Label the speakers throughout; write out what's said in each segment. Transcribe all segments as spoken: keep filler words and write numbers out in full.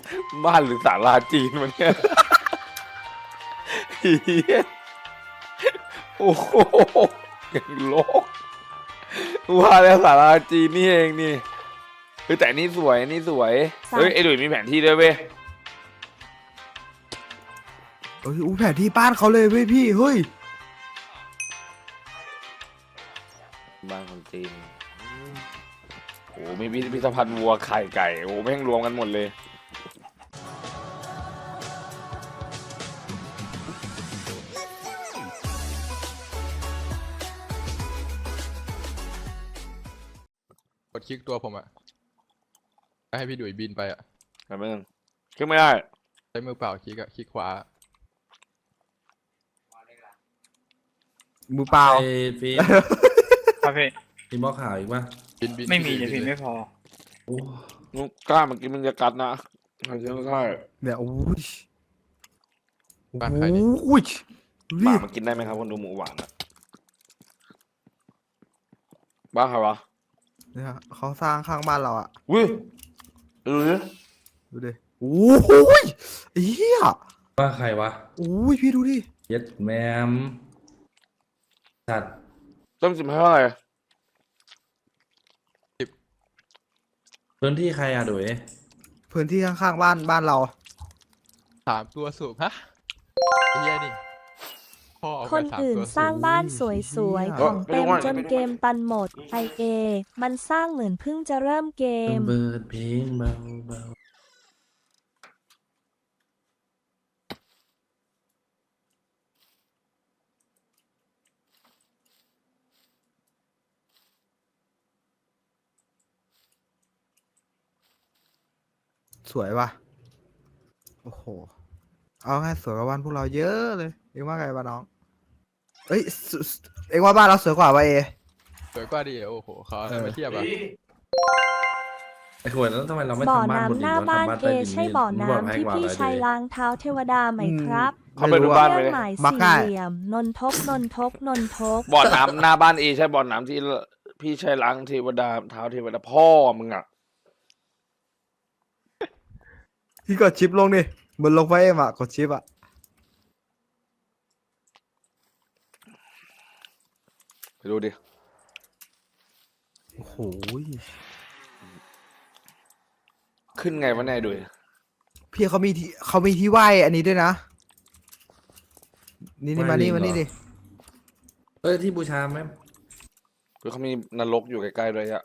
Speaker 1: บ้านหรือศาลาจีนมันเนี่ยเหี้ยโอ้โหอย่างโลกว่าแล้วศาลาจีนนี่เองนี่เฮ้ยแต่นี่สวยนี่สวยเฮ้ยไอ้ดุยมีแผนที่ด้วยเว้ย
Speaker 2: เอ้ยอู้แผนที่บ้านเขาเลยเว้ยพี่เฮ้ย
Speaker 1: บ้านคนจีนโอ้มีพิพิธภัณฑ์วัวไข่ไก่โอ้แม่งรวมกันหมดเลย
Speaker 3: กดคลิกตัวผมอะให้พี่ดุยบินไปอะ
Speaker 1: แต่ไม่ต้องขึ้นไม่ได้
Speaker 3: ใช้มือเปล่าคลิกอะคลิกขวา
Speaker 2: มือเปล่า
Speaker 4: ไอ้ฟีน
Speaker 5: ครับพี่
Speaker 4: มีหม้อขาวอีกปะ
Speaker 3: บินบิน
Speaker 5: ไม่มี
Speaker 3: บิ
Speaker 5: เดี๋ยวพี่
Speaker 3: บิน
Speaker 5: ไม่พอ
Speaker 4: โอ้
Speaker 1: มึงกล้ามันกินมึงจะกัดนะใช่ใช่
Speaker 2: เนี่ยโอ้ย
Speaker 3: บ้านใครนี่
Speaker 2: โอ้ย
Speaker 1: หมา
Speaker 2: รีบ
Speaker 1: มันกินได้ไหมครับคนดูหมูหวานอะบ้าใครวะ
Speaker 2: เนี่ยเขาสร้างข้างบ้านเราอะ
Speaker 1: วิดูดิ
Speaker 2: ดูดิโอ้ยไอ้เหี้ย
Speaker 4: ว่าใครวะ
Speaker 2: โอ้ยพี่ดูดิ
Speaker 4: เย็ดแมมสัตว์
Speaker 1: ต้มสิบให้เท่าไหร่
Speaker 4: พื้นที่ใครอะดุย
Speaker 2: พื้นที่ข้างๆบ้านบ้านเรา
Speaker 3: สามตัวสูบฮะไอ้เหี้ยนี่พ่อเอา
Speaker 6: ค
Speaker 3: ไป
Speaker 6: น
Speaker 3: สาม
Speaker 6: อื่น
Speaker 3: ตัว
Speaker 6: ส
Speaker 3: สู
Speaker 6: ร้าง
Speaker 3: บ
Speaker 6: บ้านสวยๆ ของเต็มจนเกมตันหมดไอเอมันสร้างเหมือนเพิ่งจะเริ่มเกม
Speaker 4: เบิดเพลงเบาเบา
Speaker 2: สวยว่ะโอ้โหเอาง่ายสวยกว่าบ้านพวกเราเยอะเลยเอ็งว่าไงบ้าน้องเอ้ยสสเอ็งว่าบ้านเราสวยกว่าวะเอ
Speaker 3: สวยกว่าดิโอ้โหเขาอะไรมาเทียบอะ
Speaker 4: ไอ้ขวดแล้วทำไมเราไม่
Speaker 6: บ่อ
Speaker 4: ทำบ้านบน
Speaker 6: น้ำ
Speaker 4: ดิ
Speaker 6: ห
Speaker 4: น
Speaker 6: น้าว
Speaker 4: ะ
Speaker 6: บ้าน
Speaker 4: ทำบ้าน
Speaker 6: เอ
Speaker 4: ใต้ดิน
Speaker 6: ใช่
Speaker 4: นี่
Speaker 6: บ่อ
Speaker 4: มึงบอกให้
Speaker 6: น้ำที่
Speaker 4: กว่า
Speaker 6: พี่
Speaker 4: เลย
Speaker 6: ชาย
Speaker 4: ดิ
Speaker 6: ล้างเท้าเทวดาไหมครับ
Speaker 1: เขาไปดูบ้าน
Speaker 6: เค
Speaker 1: ไป
Speaker 6: รื่อง
Speaker 1: เลย
Speaker 6: หมาย
Speaker 2: มัก
Speaker 6: สี่
Speaker 2: ง่าย
Speaker 6: เหลี่ยมนนทกนนทกนนทก
Speaker 1: บ่อน้ำหน้าบ้านเอใช่บ่อน้ำที่พี่ใช้ล้างเทวดาเท้าเทวดาพ่อมึงอะ
Speaker 2: พี่กดชิปลงดิบนลงไฟเอ็มอะกดชิปอะ
Speaker 1: ไปดูดิ
Speaker 2: โอ้โห
Speaker 1: ขึ้นไงวะเนี่ยดูดิ
Speaker 2: พี่เขามีที่เขามีที่ไหว้อันนี้ด้วยนะนี่นี่มานี่มานี่ดิ
Speaker 4: เอ้ยที่บูชาไหม
Speaker 1: คือเขามีนรกอยู่ใกล้ๆด้วยอะ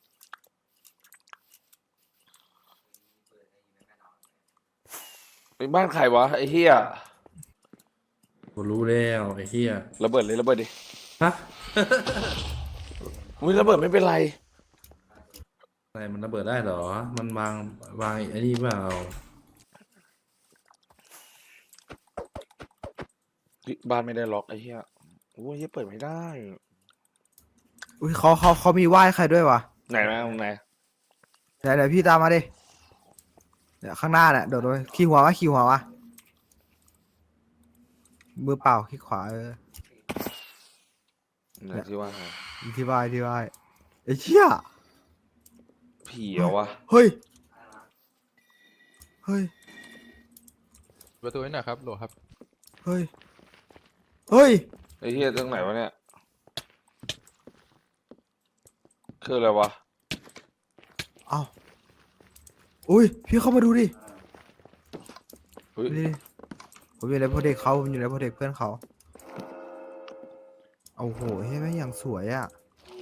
Speaker 1: เป็นบ้านใครวะไอ้เหี้ย
Speaker 4: กูรู้แล้วไอ้เหี้ย
Speaker 1: ระเบิดเลยระเบิดดิ
Speaker 4: ฮะ
Speaker 1: อุ้ยระเบิดไม่เป็นไร
Speaker 4: อะไรมันระเบิดได้เหรอ มันวางวางไอ้นี่เปล่า
Speaker 1: บ้านไม่ได้ล็อกไอ้เหี้ยโอ้ยเหี้ยเปิดไม่ได้
Speaker 2: อุ้ยเขาเขาเขามีไหว้ใครด้วยวะ
Speaker 1: ไหนนะตรงไหน
Speaker 2: เดี๋ยวเดี๋ยวพี่ตามมาดิเดี๋ยวข้างหน้าเนี่ยโดดเลยขี่หัววะขี่หัววะมือเปล่าขี่ขวาเออ
Speaker 1: ไหนที่ว่าไง
Speaker 2: ที่ไหว้ที่ไหว้ไอ้เชี่ย
Speaker 1: ผีเหรอวะ
Speaker 2: เฮ้ยเฮ้ย
Speaker 3: ประตูนี่หน่อยครับโหลครับ
Speaker 2: เฮ้ยเฮ้ย
Speaker 1: ไอ้เหี้ยตรงไหนวะเนี่ยคืออะไรวะ
Speaker 2: เอ้าอุ้ยพี่เข้ามาดูดิ
Speaker 1: เฮ้ย
Speaker 2: นี่ผมอยู่ในโปรเจกต์เขาผมอยู่ในโปรเจกต์เพื่อนเขาโอ้โหเฮ้ยแม่งอย่างสวยอ่ะ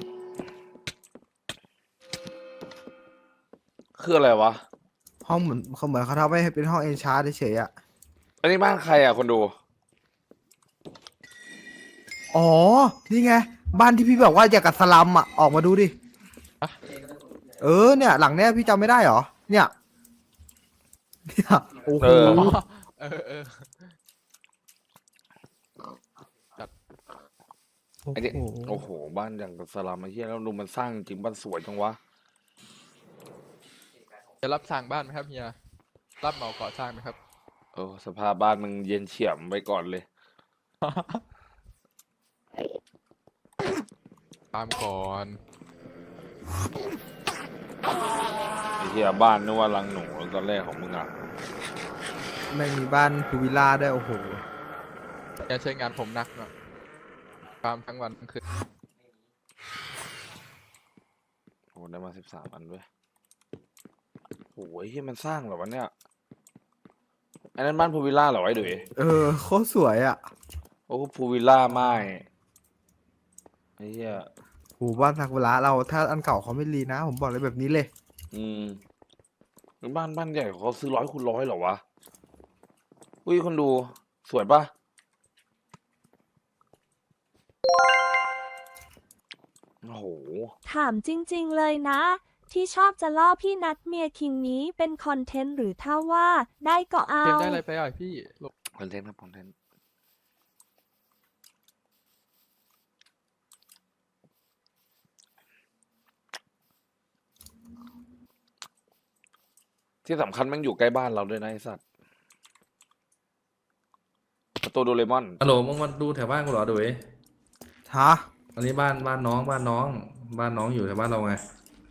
Speaker 1: คืออะไรวะ
Speaker 2: ห้องเหมือนเขาเหมือนเขาทำให้เป็นห้องเอนชาร์ดเฉยๆอ่ะ
Speaker 1: อันนี้บ้านใครอ่ะคนดู
Speaker 2: อ๋อ นี่ไง บ้านที่พี่บอกว่าอยากกับสลัมอ่ะ ออกมาดูดิ
Speaker 3: อะ
Speaker 2: เออเนี่ย หลังเนี้ยพี่จำไม่ได้เหรอ เนี่ย เนี่ยโอ้โห
Speaker 1: เออ
Speaker 3: เออเออ
Speaker 1: ไอ้นี่โอ้โหบ้านอย่างกับสลัมไอ้เหี้ยแล้วดูมันสร้างจริงบ้านสวยจังวะ
Speaker 3: จะรับสร้างบ้านไหมครับเฮียรับเหมาก่อสร้างไหมครับ
Speaker 1: เออสภาพบ้านมึงเย็นเฉียบไปก่อนเลย
Speaker 3: ตามก่อน
Speaker 1: ไอ้เฮียบ้านนึกว่ารังหนูตอนแรกของมึงอ่ะ
Speaker 2: ไม่มีบ้านพูวิลล่าด้วยโอ้โห
Speaker 3: อย่าใช้งานผมหนักหน่อยฟาร์มทั้งวันทั้งคืน
Speaker 1: โอ้ได้มาสิบสามอันด้วยโอ้ยที่มันสร้างเหรอวะเนี่ยอันนั้นบ้านพูวิลล่าเหรอไอ้ดุย
Speaker 2: เออโคตรสวยอ่ะ
Speaker 1: โอ้พูวิลล่าไม่ไอ้เหี้ย
Speaker 2: โหบ้านซากุระเราถ้าอันเก่าเขาไม่รีนะ ผมบอกเลยแบบนี้เลย
Speaker 1: อืมบ้านบ้านใหญ่เขาซื้อร้อยคูณร้อยเหรอวะอุ้ยคนดูสวยปะโอ้โห
Speaker 6: ถามจริงๆเลยนะ ที่ชอบจะล่อพี่นัดเมียคิงนี้เป็นคอนเทนต์หรือถ้าว่าได้ก็เอา
Speaker 3: เกมได้อะไรไปอ่ะพี่ลบ
Speaker 1: คอนเทนต์ครับคอนเทนต์ที่สำคัญแมันอยู่ใกล้บ้านเราด้วยนะไอ้สัตว์ประตูโดเรมอน
Speaker 4: ฮัลโหลมึงมาดูแถวบ้านกูเหรอดุย
Speaker 2: ฮะ
Speaker 4: อันนี้บ้านบ้านน้องบ้านน้อง บ้านน้องอยู่แถวบ้านเราไง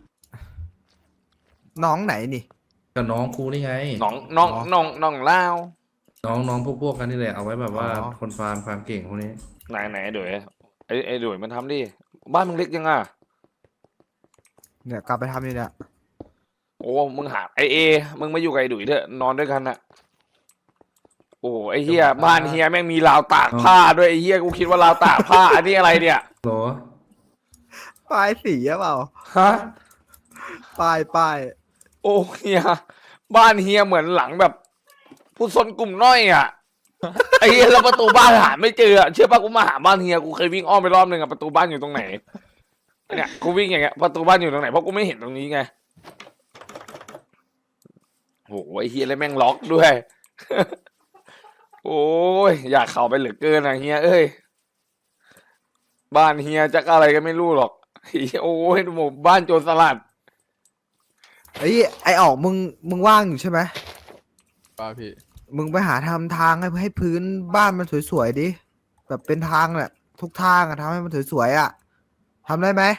Speaker 2: น้องไหนนี่
Speaker 4: กับน้องกูนี่ไง
Speaker 1: น้องน้อง
Speaker 2: อ๋อ
Speaker 1: น้องน้องเล่าว
Speaker 4: น้องน้องพวกพวกกันนี่แหละเอาไว้แบบว่า
Speaker 2: อ๋อ
Speaker 4: คนฟาร์มฟาร์มเก่งพวกนี้
Speaker 1: ไหนไหนไอ้ดุยไอ้ไอ้ดุยมันทำดิ บ้านมึงเล็กยังอ่ะ
Speaker 2: เนี่ยกลับไปทำอยู่เนี่ย
Speaker 1: โอ้มึงหาไอเอ มึงมาอยู่กับไอ้ดุยเถอะนอนด้วยกันน่ะ โอ้ไอเฮียบ้านเฮียแม่งมีราวตากผ้าด้วยไอเฮียกูคิดว่าราวตากผ้า อันนี้อะไรเนี่ย
Speaker 4: โหล
Speaker 2: ป้ายสีหรือเปล่า
Speaker 1: ฮะ
Speaker 2: ป้ายป้าย
Speaker 1: โอ้เฮียบ้านเฮียเหมือนหลังแบบ ผู้ซนกลุ่มน้อยอ่ะ ไอเฮียแล้วประตูบ้านหาไม่เจออะเชื่อป่ะกูมาหาบ้านเฮียกูเคยวิ่งอ้อมไปรอบหนึ่งอะประตูบ้านอยู่ตรงไหนเนี่ยกูวิ่งอย่างเงี้ยประตูบ้านอยู่ตรงไหนเพราะกูไม่เห็นตรงนี้ไงโอ้ไอเฮียเลยแม่งล็อกด้วย โอ้ยอยากเข้าไปเหลือเกินอะเฮียเอ้ยบ้านเฮียจะอะไรก็ไม่รู้หรอกเฮียโอ้ยหมู่บ้านโจรสลัด
Speaker 2: ไอ้ยไอออกมึงมึงว่างอยู่ใช่ไหม
Speaker 3: ป่าพี่
Speaker 2: มึงไปหาทำทางให้ให้พื้นบ้านมันสวยๆดิ แบบเป็นทางแหละทุกทางอะทำให้มันสวยๆอะทำได้ไหม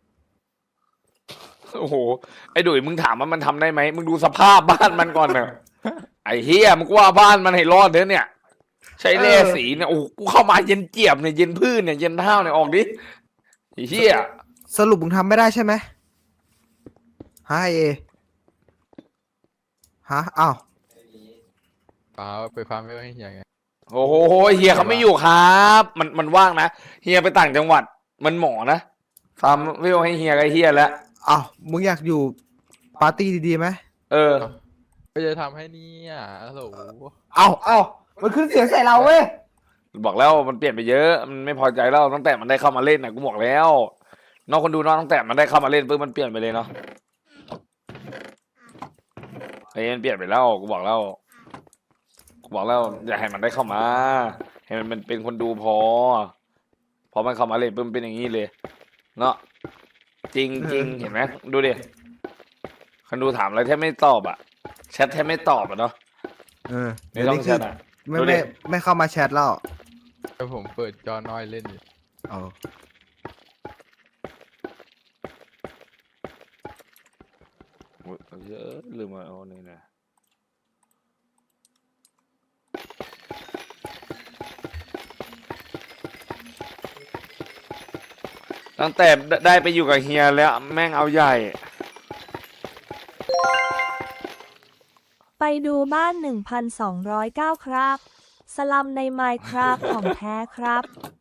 Speaker 1: โอ้โหไอ้ดุยมึงถามว่ามันทำได้ไหมมึงดูสภาพบ้านมันก่อนเนอะไอ้เฮียมึงก็ว่าบ้านมันให้รอดเถอะเนี่ย ใช้เล่สีเนี่ยโอ้โหกูเข้ามาเย็นเจี๊ยบเนี่ยเย็นพื้นเนี่ยเย็นเท้าเนี่ยออกดิไอ้เฮีย
Speaker 2: สรุปมึงทำไม่ได้ใช่ไหมฮะไอเอฮะอ้าว
Speaker 3: ป่าไปฟาร์มไม่ให้เฮียไง
Speaker 1: โอ้โหเฮียเขาไม่อยู่ครับ มันมันว่างนะเฮียไปต่างจังหวัด มันหมอนะฟาร์มไม่เอาให้เฮียกับไอ้เฮียแล้ว
Speaker 2: อ้าวมึงอยากอยู่ปาร์ตี้ดีๆไหม
Speaker 1: เออ
Speaker 3: ก็จะทำให้เนี่ยฮัลโหล
Speaker 2: เอ้าเอ้ามันขึ้นเสียงใส่เราเว้ย
Speaker 1: บอกแล้วมันเปลี่ยนไปเยอะ มันไม่พอใจแล้วตั้งแต่มันได้เข้ามาเล่นนะกูบอกแล้วน้องคนดูน้องตั้งแต่มันได้เข้ามาเล่นปุ๊บมันเปลี่ยนไปเลยเนาะไอ้มันเปลี่ยนไปแล้วกูบอกแล้วกูบอกแล้วอย่าให้มันได้เข้ามาให้มันมันเป็นคนดูพอพอมันเข้ามาเล่นปุ๊บมันเป็นอย่างนี้เลยเนาะจริงจริงเห็นไหมดูดิคนดูถามอะไรแทบไม่ตอบอ่ะแชทแทบไม่ตอบอ่ะเนาะ
Speaker 2: เออ
Speaker 1: ไม่ต้องแชทอ่ะ
Speaker 2: ไม่
Speaker 1: ดูดิ
Speaker 2: ไม่ไม่เข้ามาแชทแล้ว
Speaker 3: แต่ผมเปิดจอน้อยเล่นอยู่
Speaker 2: เออ
Speaker 1: อุ๊ยเยอะลืมมาเอานี่นะตั้งแต่ได้ไปอยู่กับเฮียแล้วแม่งเอาใหญ่
Speaker 6: ไปดูบ้าน หนึ่งพันสองร้อยเก้า ครับ สลัมในไมค์ครับของแท้ครับ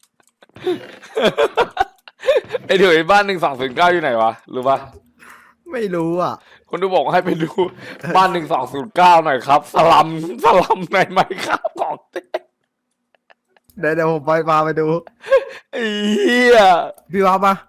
Speaker 1: ไอ้เดี๋ยวไอ้บ้านหนึ่งสองศูนย์เก้าอยู่ไหนวะรู้ปะ
Speaker 2: ไม่รู้อ่ะ
Speaker 1: คนดูบอกว่าให้ไปดูบ้านหนึ่งสองศูนย์เก้าหน่อยครับ สลัมสลัมในไมค์ครับของแท้
Speaker 2: เดี๋ยวเดี๋ยวผมไปมาไปดู
Speaker 1: ไอ้เหี้ย
Speaker 2: พี่ว่ามา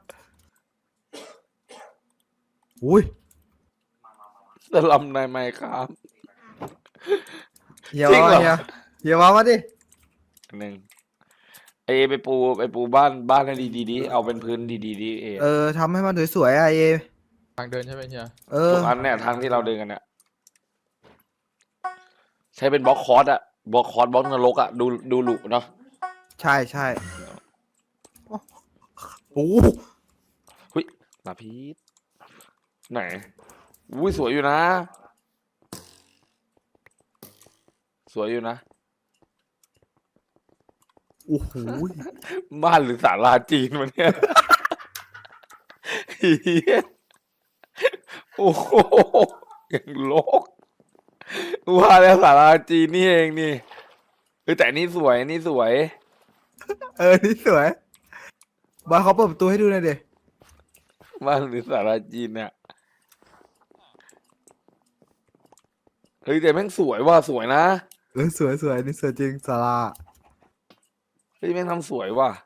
Speaker 2: อุ้ย
Speaker 1: สลัมในไมค์ครับ
Speaker 2: เฮีย
Speaker 1: จริง
Speaker 2: ว่า
Speaker 1: เหรอ
Speaker 2: เฮียเฮียว่ามาดิ
Speaker 1: หนึ่งไอไปปูไปปูบ้านบ้านให้ดีๆดิเอาเป็นพื้นดีๆดิเอ
Speaker 2: เออทำให้มันสวยๆอ่ะเอ
Speaker 3: ทางเดินใช่ไหมเฮีย
Speaker 2: เออ
Speaker 1: ทุกอันเนี่ยทางที่เราเดินกันเนี่ยใช้เป็นบล็อกคอร์สอะบล็อกคอร์สบล็อกนรกอะดูดูหลุเนาะ
Speaker 2: ใช่ใช่โอ้โห
Speaker 1: ลาพีษไหนอุ้ยสวยอยู่นะ สวยอยู่นะ
Speaker 2: โอ้โห
Speaker 1: บ้านหรือศาลาจีนมันเนี่ยเหี้ยโอ้โหอย่างโลกว่าแล้วศาลาจีนนี่เองนี่เออแต่อันนี่สวยอันนี่สวย
Speaker 2: เออนี่สวยบอยเขาเปิดประตูให้ดูหน่อยดิ
Speaker 1: บ้านหรือศาลาจีนเนี่ยเฮ้ยแต่แม่งสวยว่ะสวยนะ
Speaker 2: เออสวยสวยนี่สวยจริงสารา
Speaker 1: เฮ้ยแม่งทำสวยว่ะ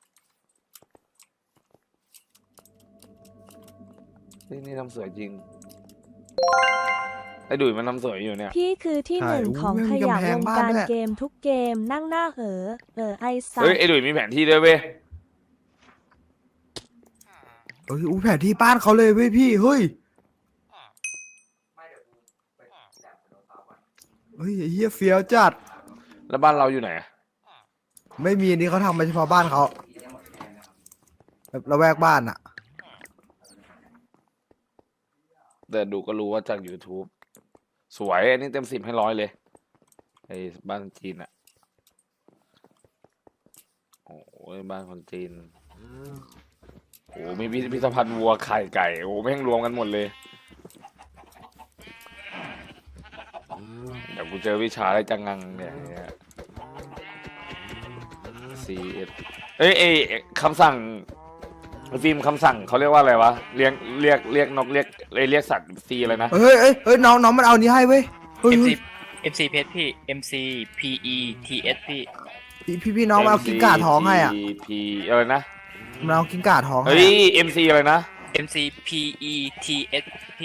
Speaker 1: เฮ้ยนี่ทำสวยจริงไอ้ดุยมันทำสวยอยู่เนี่ย
Speaker 6: พี่คือที่หนึ่งของขยะวงการเกมทุกเกมนั่งหน้าเออเออไอซั
Speaker 1: เฮ้ยไอ้ดุยมีแผนที่ด้วยเว้ย
Speaker 2: เอ้ยอู้แผนที่บ้านเขาเลยเว้ยพี่เฮ้ยเฮ้ยไอ้เฮียเฟี้ยวจัด
Speaker 1: แล้วบ้านเราอยู่ไหนอะ
Speaker 2: ไม่มีอันนี้เขาทำมาเฉพาะบ้านเขาแบบระแวกบ้านอ่ะ
Speaker 1: แต่ดูก็รู้ว่าจาก YouTube สวยอันนี้เต็มสิบให้ร้อยเลยไอ้บ้านจีนอะโอ้ยบ้านคนจีนโอ้มีพิพิธภัณฑ์วัวไข่ไก่โอ้แม่งรวมกันหมดเลยเดี๋ยวกูเจอวิชาอะไรจังงังเนี่ยซีเอสเอ้ยเอ้ยคำสั่งฟิล์มคำสั่งเขาเรียกว่าอะไรวะเรียกเรียกเรียกนกเรียกเอ้ยเรียกสัตว์ซีอะไรนะ
Speaker 2: เฮ้ยเฮ้ยเฮ้ยน้องน้องมันเอานี้ให้เว้ยเฮ้ย
Speaker 5: MC
Speaker 2: เฮ้ย
Speaker 5: MC เพชรพี่ MC PE TS พี่
Speaker 2: พี่พี่พี่น้องมันเอากิ้งก่าท้องให้อ่ะ
Speaker 1: พีอะไรนะ
Speaker 2: มันเอากิ้งก่าท้องให้
Speaker 1: เฮ้ย
Speaker 2: อะ
Speaker 1: เอ็มซีอะไรนะ
Speaker 5: MC PE TS พี่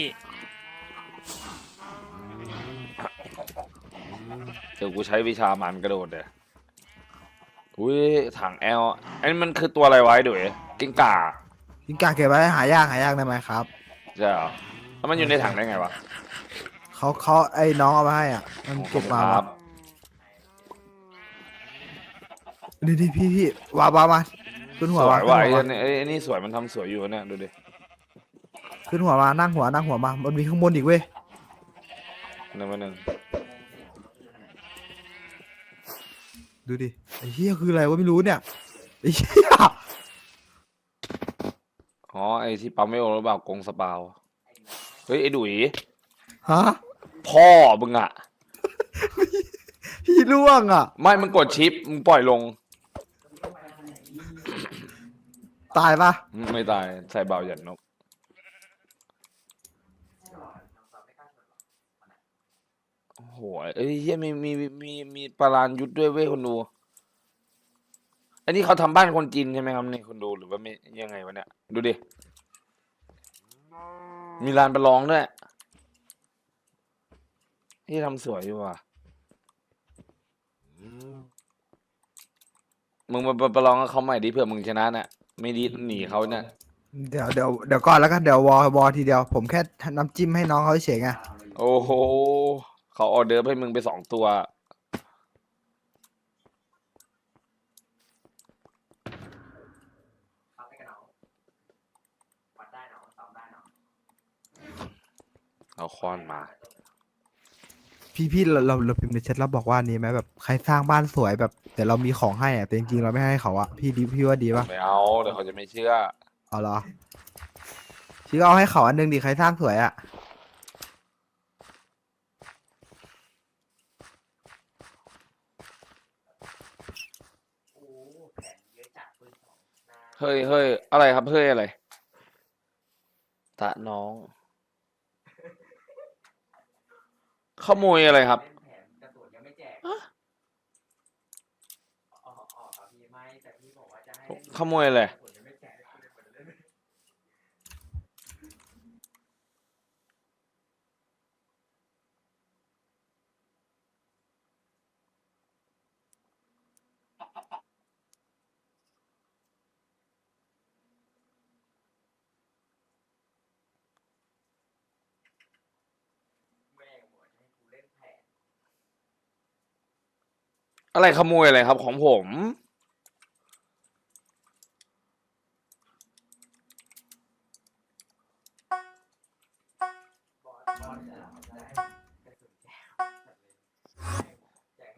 Speaker 1: เดี๋ยวกูใช้วิชามันกระโดดเดี๋ยวอุ้ยถังแอลอันนี้มันคือตัวอะไรไว้ด้วยกิ้งก่า
Speaker 2: กิ้งก่าเก็บไว้หายากหายากได้ไหมครับ
Speaker 1: ใช่เหรอแล้วมันอยู่ในถังได้ไงวะ
Speaker 2: เขาเขาไอ้น้องเอามาให้อ่ะมันเก็บมา
Speaker 1: ครับ
Speaker 2: ดีดีพี่พี่วาวามาขึ้น
Speaker 1: ส
Speaker 2: หัว
Speaker 1: ว
Speaker 2: มาย ขึ้น
Speaker 1: ว่ะ
Speaker 2: หั
Speaker 1: ไอ้
Speaker 2: วมา
Speaker 1: เนี่ยไอ้ไอ้นี่สวยมันทำสวยอยู่เนี่ยดูดิ
Speaker 2: ขึ้นหัวมานั่งหัวนั่งหัวมามันมีข้างบนอีกเว้ย
Speaker 1: หนึ่งมาหนึ่ง
Speaker 2: ดูดิไอ้เหี้ยคืออะไรวะไม่รู้เนี่ยไอ้เหี้ย
Speaker 1: อ๋อไอ้ที่ปั๊มไม่โอหรือเปล่ากงสปาวเฮ้ยไอ้ดุย
Speaker 2: ฮะ
Speaker 1: พ่อมึงอะ
Speaker 2: พี่ล่วงอ่ะ
Speaker 1: ไม่มึงกดชิปมึงปล่อยลง
Speaker 2: ตายปะ
Speaker 1: ไม่ตายใส่เบาหยันนกโอ้โหเอ้ยเฮียมีมีมีมีปลานยุทธด้วยเว้ยคนดูอันนี้เขาทำบ้านคนจีนใช่ไหมครับนี่คนดูหรือว่าไม่ยังไงวะเนี่ยดูดิมีลานประลองด้วยที่ทำสวยอยู่ว่ะมึงมาประลองกับเขาใหม่ดิเผื่อมึงชนะน่ะไม่ดีหนีเขาเนี่ย
Speaker 2: เดี๋ยวเดี๋ยวเดี๋ยวก่อนแล้วกันเดี๋ยววอวอทีเดียวผมแค่น้ำจิ้มให้น้องเขาเฉยๆไง
Speaker 1: โอ้โหเขาออเดอร์ฟให้มึงไปสองตัวเอาค้อนมา
Speaker 2: พี่พี่เราเราเราพิมพ์ในแชทเราบอกว่านี้ไหมแบบใครสร้างบ้านสวยแบบแต่เรามีของให้อ่ะแต่จริงๆเราไม่ให้เขาอ่ะพี่ดีพี่ว่าดีปะ
Speaker 1: ไม่เอาเดี๋ยวเขาจะไม่เชื่อ
Speaker 2: เอาเหรอพี่ก็เอาให้เขาอันหนึงดิใครสร้างสวยอ่ะ
Speaker 1: เฮ้ยเฮ้ยอะไรครับเฮ้ยอะไรตะน้อง ขโมยอะไรครับขโมยอะไรอะไรขโมยอะไรครับของผม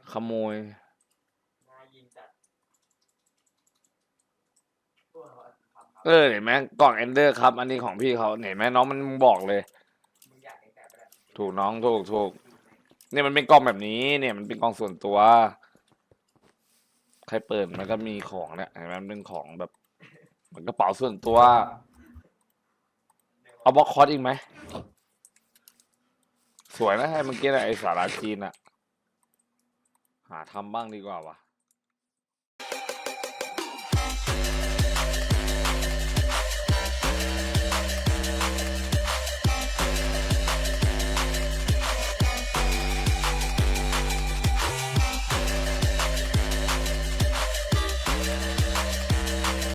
Speaker 1: ขโมย เออเห็นไหมกล่องเอนเดอร์ครับ อันนี้ของพี่เขาเห็นไหมน้องมันบอกเลย ถูกน้องถูกถูกเนี่ยมันเป็นกล่องแบบนี้ เนี่ยมันเป็นกล่องส่วนตัว ใครเปิดมันก็มีของเนี่ยเห็นไหมมันเป็นของแบบเหมือนกระเป๋าส่วนตัว เอาบล็อกคอร์สอีกไหม สวยนะไอ้เมื่อกี้น่ะไอ้สาราจีนอะหาทำบ้างดีกว่าวะ